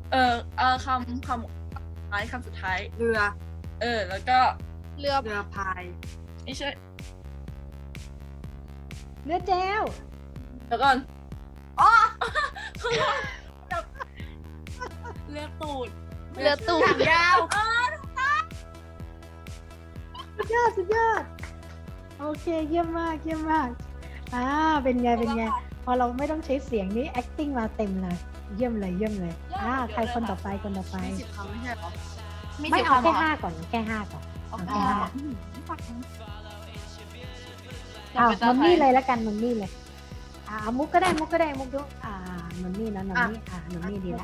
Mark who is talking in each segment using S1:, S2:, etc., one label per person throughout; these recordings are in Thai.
S1: คำสุดท้าย
S2: เรือ
S1: แล้วก็
S3: เรือ
S2: เรือพาย
S1: ไม่ใช่
S4: เรือแจว
S1: เดี๋ยวก่อนอ๋อเรือตูด
S3: เรือตูด
S2: ยาว
S4: สุดยอดสุดยอดโอเคเยี่ยมมากเยี่ยมมากเป็นไงเป็นไงพอเราไม่ต้องใช้เสียงนี้ acting มาเต็มเลยเยี่ยมเลยเยี่ยมเลยใครคนต่อไปคนต่อไป
S2: มี10 คำไม่ใช่เหรอ
S4: ไม่เอาแค่5ก่อนแค่5ก่อนเอาแค่ห้ามันนี่เลยแล้วกันมันนี่เลยมุกก็ได้มุกก็ได้มุกดูมันนี่นะมันนี่มันนี่ดีแล้ว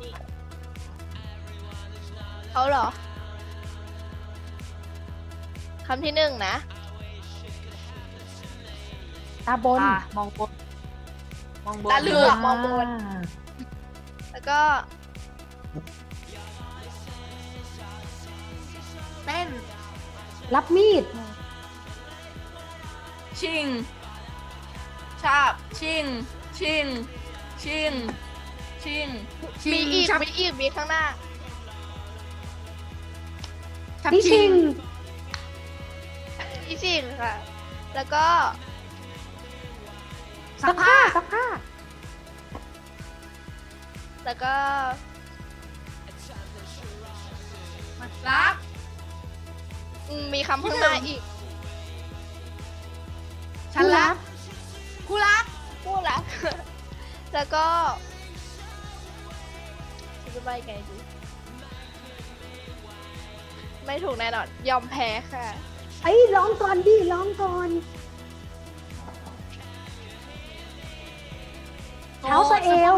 S3: เขาเหรอคำที่หนึ่งนะ
S4: ตาบน
S2: มองบน
S3: ตาเหลือกมองบน แล้วก็
S2: เต้น
S4: รับมีด
S1: ชิงชาบชิง
S3: มีอีกมีข้างหน้า
S4: ดิชิง
S3: อีชิงค่ะ แล้วก็
S4: ซักผ้าซักผ้า
S3: แล้วก็
S2: รัก
S3: มีคำข้างหน้าอีก
S2: ฉันรักคู่รัก
S3: พูดละ แล้วก็จะไปไงดีไม่ถูกแน่นอน ยอมแพ้ค่ะ
S4: ร้องก่อนดิร้องก่อนเท้าสะเอว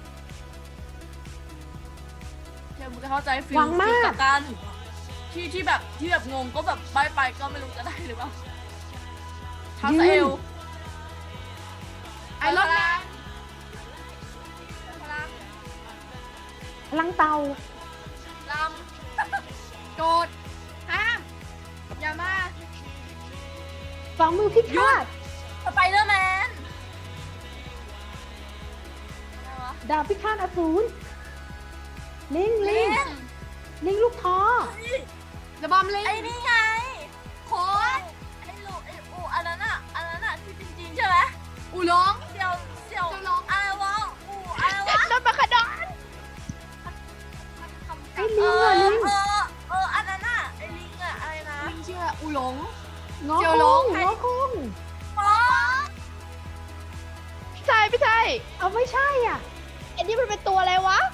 S1: เดี๋ยวมึงจะเข้าใจฟิล
S4: หวังมาก
S1: ฟิลกันที่แบบงงก็แบบใบไปก็ไม่รู้จะได้หรือเปล่าเท้าสะเอว
S2: ไอรอนแมน
S4: พลังเตา
S2: ลำโกดห้าม อย่ามา
S4: ฝ่ามือพิฆาต
S1: สไปเดอร์แมน
S4: ดาบพิฆาตอสูรลิง
S1: เล่น
S4: ลิงลูกท้อ
S2: จะบอมลิง
S1: ไอ้นี่ไงโคนไอ้ลูกไอ้อูอันนั้นอะที่จริงๆใช่ไหม
S2: อูหลง
S1: เสี่ยว
S2: เสี่ยวหลง
S1: อะไรวะอูอะไรวะ
S3: รถมาขดอน
S4: ไอ้ลิงอะลิง
S1: อันนั้นอะไอ้ลิงอะอะไรนะ
S2: ลิงเชื่ออูหลง
S4: งอ
S2: เจียว
S4: ค
S2: หลง
S4: งงอคง
S1: ป๊อ
S3: ใช่ไม่ใช่
S4: เอาไม่ใช่อ่ะ
S3: อันนี้มันเป็นตัวอะไรวะ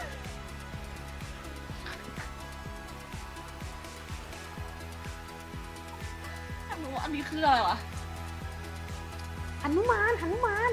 S1: ไม่รู้อันนี้คืออะไรวะ
S4: หนุมานหนุมาน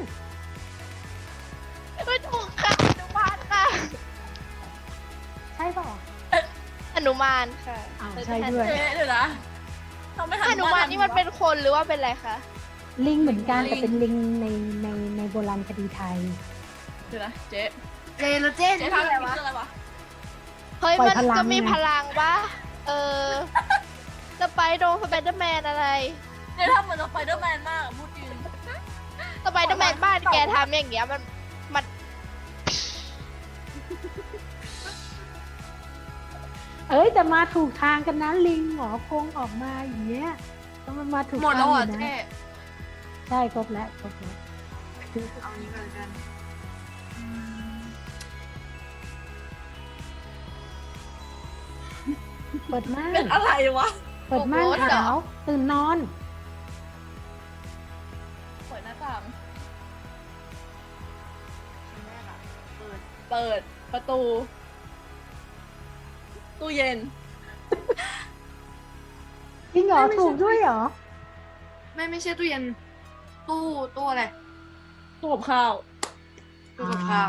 S3: ไม่ถูกค่ะหนุมานค่ะ
S4: ใช่ป่ะ
S3: หนุมานค่ะ
S4: อ้าวใช่ด้วย
S1: เดี๋ยวนะทำไม
S3: หนุมานนี่มันเป็นคนหรือว่าเป็นอะไรคะ
S4: ลิงเหมือนกันแต่เป็นลิงในโบราณคดีไทย
S1: เดี๋ยวนะเจ๊
S2: เจแล้วเจ๊
S1: เจ๊
S2: ทำ
S1: ทำ
S2: อะไร
S1: อะไร
S2: วะ
S1: วะอะไรวะ
S3: เฮ้ย
S4: ปล่อย
S3: มัน
S4: พลัง
S3: ก็มี
S4: ไง
S3: พลังปะสไปเดอร์แมนอะไร
S1: เจ๊ทำเหมือนสไปเดอร์แมนมากอะพูดจริง
S3: สไปเดอร์แมนบ้านแกทำอย่างเงี้ยมัน
S4: แต่มาถูกทางกันนะลิงหงอคงออกมาอย่างเงี้ยต้องมันมาถูก
S2: หมด
S4: ทา
S2: แล้ว
S4: ง
S2: เหรอ
S4: อยู่นะ
S2: เจ๊
S4: ใช่ครบแล้วครบแล้ว
S2: เอานี้ก่อนกัน
S4: เปิดม่า
S1: เป็น
S4: น
S1: อะไรวะ
S4: เปิดม่านขาวตื่นนอน
S1: เปิดหน้าต่าง
S2: แรกอะเปิด
S1: เปิดประตู ตู้เย็น
S4: จริงเหรอถูกด้วยเหรอ
S2: ไม่ใช่ตู้เย็น ตู้อะไร
S1: ตู้กับข้าว
S2: ตู้กับข้าว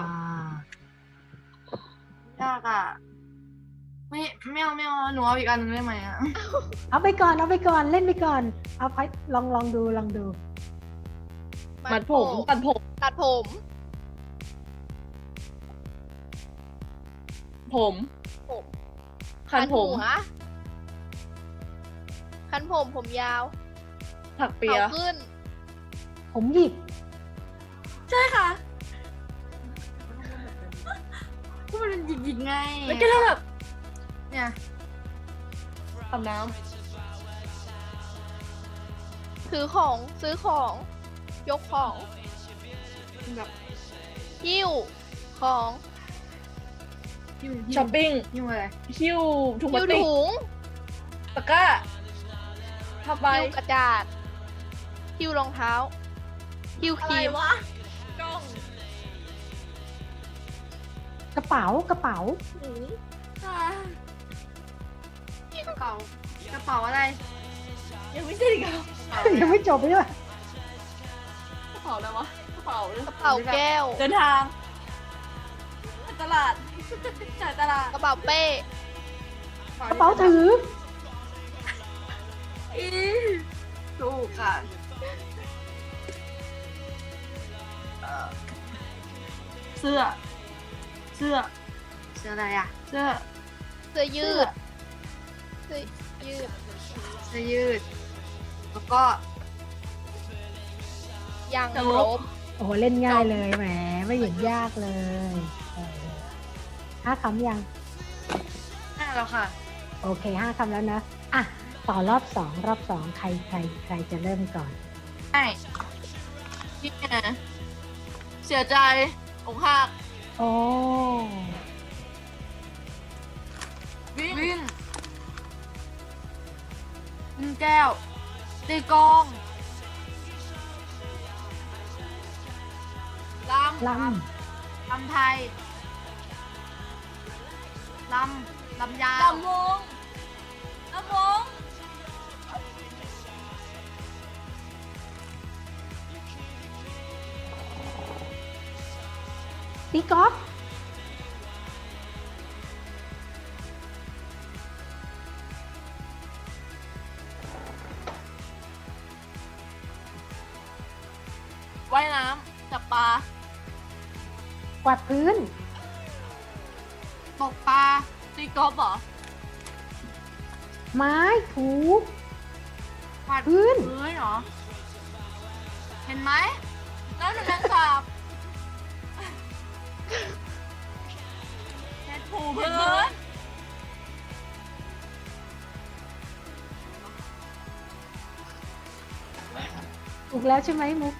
S2: ยากอ่ะ ไม่เอาหนูเอาอีกอันนึงได้ไหมอ่ะ
S4: เอาไปก่อนเอาไปก่อนเล่นไปก่อน เอาไปลองดูลองดู
S1: มัดผมตัดผม
S3: ตัดผม
S1: ผม
S3: ผม
S1: คันผม
S3: หัวคันผมยาว
S1: ถักเปีย
S3: เขาขึ้น
S4: ผมหยิก
S1: ใช่ค่ะ
S2: ก็มันเป็นหยิกๆไง
S1: แล้วก็แบบ
S2: เนี่ย
S1: อาบน้
S3: ถือของซื้อของ ยกของ
S2: แบบ
S3: หิ้วของ
S2: หิ้ว
S1: ำช้อปปิ้ง
S2: หิ้วอะไร
S1: หิ้วถุงพ
S3: หิ้
S1: ลาว สติก
S3: ถุง
S1: ตะกร้าผ้าใบ
S3: หิ้วกระดาษหิ้วรองเท้าหิ้วค
S1: อะไร
S3: รีม
S1: วะกล้อง
S4: กระเป๋ากระเป๋า
S1: อ่ะ
S2: กระเป๋าอะไร
S1: ยังไม่ใช่ดิครับ
S4: ยังไม่จบเลยว่ะ
S1: กระเป๋าอะไรวะกระเป๋าเลย
S3: กระเป๋าแก้ว
S1: เดินทางไปตลาดจ่ายตลาด
S3: กระเป๋าเป้
S4: กระเป๋าถือ
S1: อี
S2: ถูกค่ะ
S1: เสื้อ เสื้อ
S2: เสื้ออะไรอ่ะ
S1: เสื้อ
S3: เสื้อยืดเสื้อยืด
S2: เสื้อยืด แล้วก็
S3: ยาง
S1: จะ
S3: ล
S1: ล
S3: บบ
S4: โอ้โหเล่นง่ายเลยแหมไม่เห็นยากเลย5 คำยัง
S2: แล้วค่ะ
S4: โอเค5 คำแล้วนะอ่ะต่อรอบ 2 รอบ 2 ใครจะเริ่มก่อน
S1: ใช่พี่ไงเสียใจอกหัก
S4: โอ้
S1: วิ่งวิ่งแก้ว ตีกลองลำ
S4: ล
S1: ลำไทยลำยาวลำวงลำวง
S4: ำตีกอล์ฟ
S1: ว่ายน้ำจับปลาก
S4: วาดพื้น
S1: ตกปลาตีกอล์ฟเหรอ
S4: ไม้ถู
S1: กวาด
S4: พื้น
S1: พื้นเหรอ เห็นไหมนั่นเป็นแมงสาบเช็ดถูพื้น
S4: ถูกแล้วใช่ไหมมุก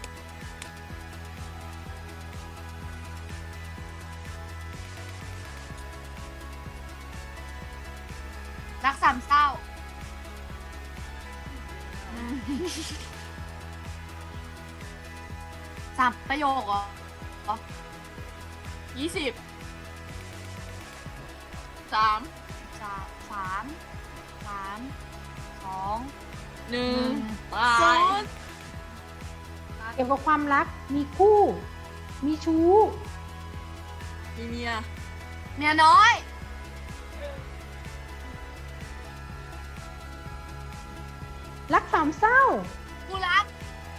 S1: รักสามเศร้าสามประโยคเหรอ20 3 2 1ตาย
S4: เกี่ยวกับความรักมีคู่ มีชู้
S1: มีเมียน้อย
S4: รักสามเศร้า
S1: กูรัก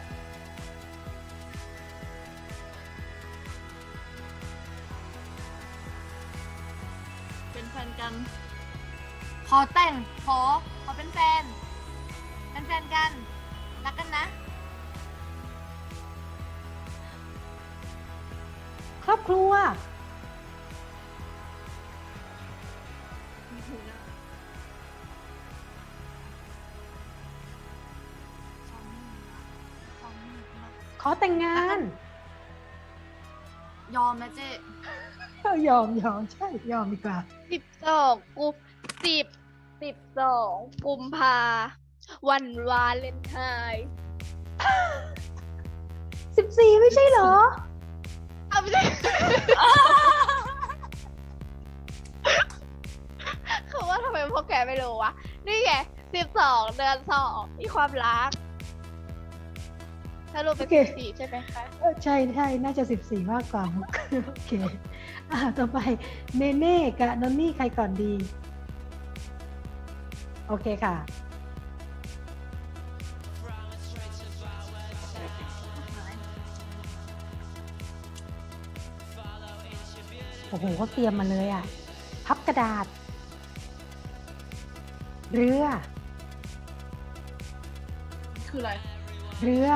S1: เป็นแฟนกัน ขอแต่ง ขอเป็นแฟน เป็นแฟนกัน รักกันนะ
S4: ครอบครัว ขอแต่งงาน
S1: ยอมนะเจ๊
S4: ยอมใช่ยอมดีกว่า
S3: 12กุมภาวันวาเลนไทน์
S4: 14 ไม่ใช่เหรอ
S3: เอาไม่ใช่ คือว่าทำไมพวกแกไม่รู้วะ นี่ไง12 เดือน 2 มีความรักสรุปเป็น
S4: โอเค
S3: 14 ใช่ไหมคะ
S4: ใช่น่าจะ 14 มากกว่ามุก โอเคต่อไปเนเน่กับนนนี่ใครก่อนดี โอเคค่ะ โอ้โหเขาเตรียมมาเลยอ่ะ พับกระดาษ เรือ
S1: คืออะไร
S4: เรือ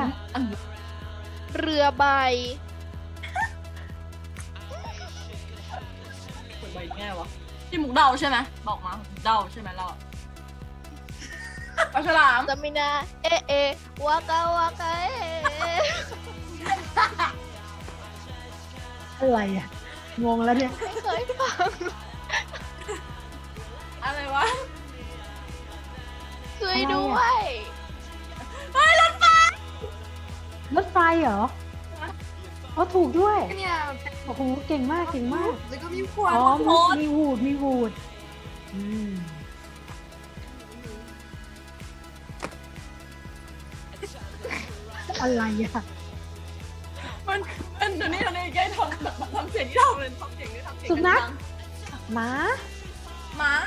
S3: เรือใบ
S1: คไงวะพี่มุกเดาใช่ไหมบอกมาเดาใช่ไหมเราปลาฉลาม
S3: จะมีนาเอะเอะวากาวากาเอะ
S4: อะไรอ่ะ งงแล้วเนี่ย
S3: ไม่เคยฟัง
S1: อะไรวะ
S3: ช่วยด้วย
S4: รถไฟเหรออ๋อถูกด้วย
S2: เนี่ย
S4: โอ้โห เก่งมาก เก่งมาก
S2: แล้วก็มีขวด
S4: อ๋อมีวูด มีวูด อืม อะไรอ่ะ
S1: มันเดี๋ยวนี้แกทำเสียงที่ทำเลยทำเสียงที่ทำเสียง
S4: สุนัข
S1: ดัง
S4: หมา
S1: ม้า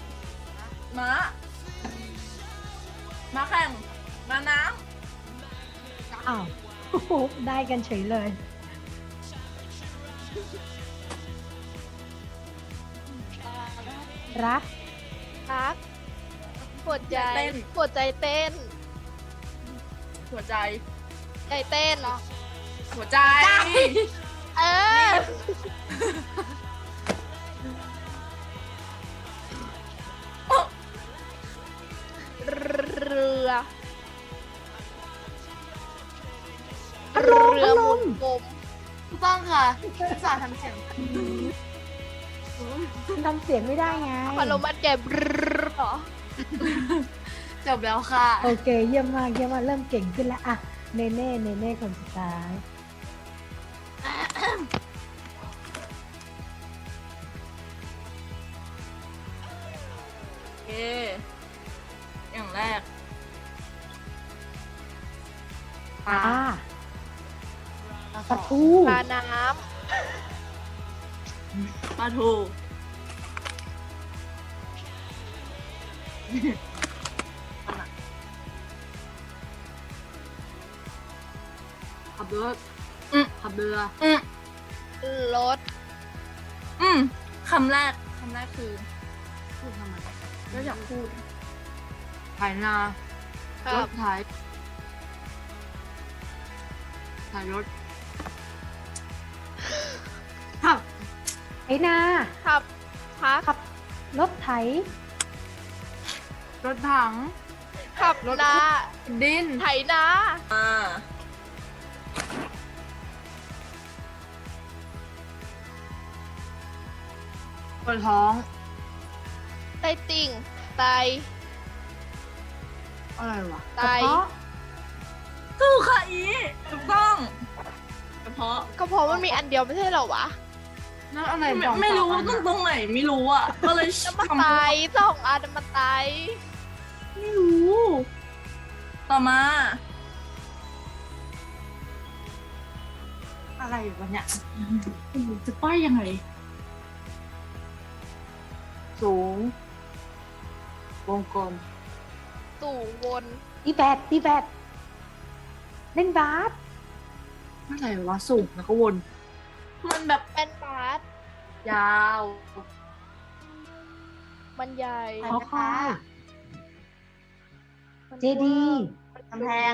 S1: แข่งม้าน้
S4: อ้าวโอ้โหได้กันเฉยเลย รัก
S3: รักหัวใจหัวใจเต้น
S1: ำหัวใจ
S3: ใจเต้น
S1: หัวใจ
S3: เออ เรือ
S4: พัดลม
S3: เรือหมุนกลม
S2: ถูกต้องค่ะภาษาทำเสียง
S4: มันทำเสียงไม่ได้ไง
S3: พัดลมมันแก่บเหรอ
S2: จบแล้วค่ะ
S4: โอเค เยี่ยมมาก เยี่ยมมาก เริ่มเก่งขึ้นแล้ว อ่ะ เนเน่คนสุดท้าย
S1: โอเคอย่างแรก
S4: ปลาปลาทู
S3: ปลาน้
S1: ปลาทูขับรถขับเรือ
S3: ำรถ
S1: คำแรกคือพูดทำไมก็อยากพูดไถนา
S3: ครั
S1: ร
S3: บ
S1: ถไถรถขับ
S4: ไถนา
S3: ขับพัก
S4: ขับ รถไถ
S1: รถถัง
S3: ขับนา
S1: ดิน
S3: ไถนา
S1: ปวดท้อง
S3: ไตติ่งไต
S1: อะไรวะ
S3: ไต
S4: กระเพาะ
S1: ถูกค่ะอีถูกต้องกระเพาะ
S3: ก็เพราะมันมีอันเดียวไม่ใช่เหรอวะ
S2: นั่นอะไร
S1: ไม่รู้ตรงไหนไม่รู้อ่ะ ก็เลย
S3: น้ำมันไตสองอันน้ำมันไต
S1: ไม่รู้ ต่อมา อะไรวะเนี่ยจะป้ายยังไง สูง วงกลม
S3: สู่วน
S4: ตีแบดเล่นบาส
S1: อะไรวะสูงแล้วก็วน มันแบบ
S3: เป็นบาส
S1: ยาว
S3: มันใหญ่
S4: ขอควาย
S3: มัน
S4: เจดี
S2: กำแพง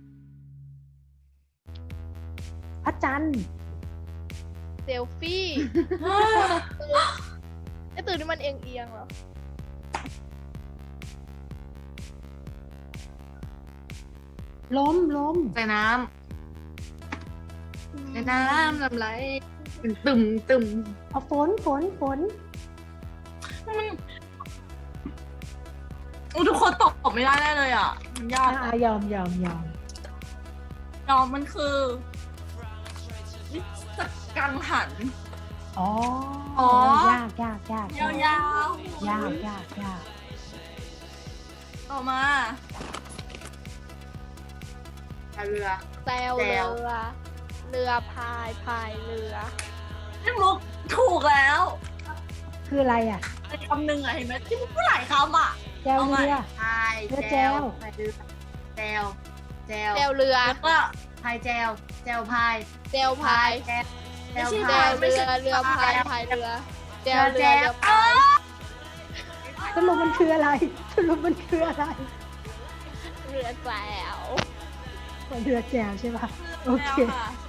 S4: พระจันทร์
S3: เซลฟี่ไอตื่นนี่มันเอียงๆเหรอ
S4: ล้ม
S2: ใส่น้ำในน้ำลำไรตึม
S4: เอาฝน
S1: ทุกคนตอบไม่ได้แน่เลยอ่ะ มันยาก
S4: ยอม
S1: ยอมมันคือนิสกังหัน
S4: อ๋อ
S1: อ๋อ
S4: ยาก
S1: ยาว
S4: ยาก
S1: ต่อมา
S2: พายเรือ
S3: แซวเรือ เรือพายเรือ
S1: พี่มุกถูกแล้ว
S4: คืออะไรอ่ะ
S1: ไอ้คำหนึ่งอะเห็นไหมที่มุกพูดหลายคำอ่ะ
S4: แจวเรือ
S2: พาย
S4: เรือ
S2: แจ
S4: แจ
S2: ว
S4: ว
S2: พายเรือแจว
S3: แซวเรือ
S1: แล้วก็
S2: พายแจวแจวพาย
S3: แซวพาย
S2: แจว
S1: ไม่ใช่
S3: แซว
S1: ไม่
S3: เรือ
S1: ใช่
S3: เรือพายเรือแซวเรือเรือพาย
S4: สรุปมันคืออะไร
S3: เรือแซว
S4: เรือแจวใช่ปะโอเค
S1: แล้วค่ะ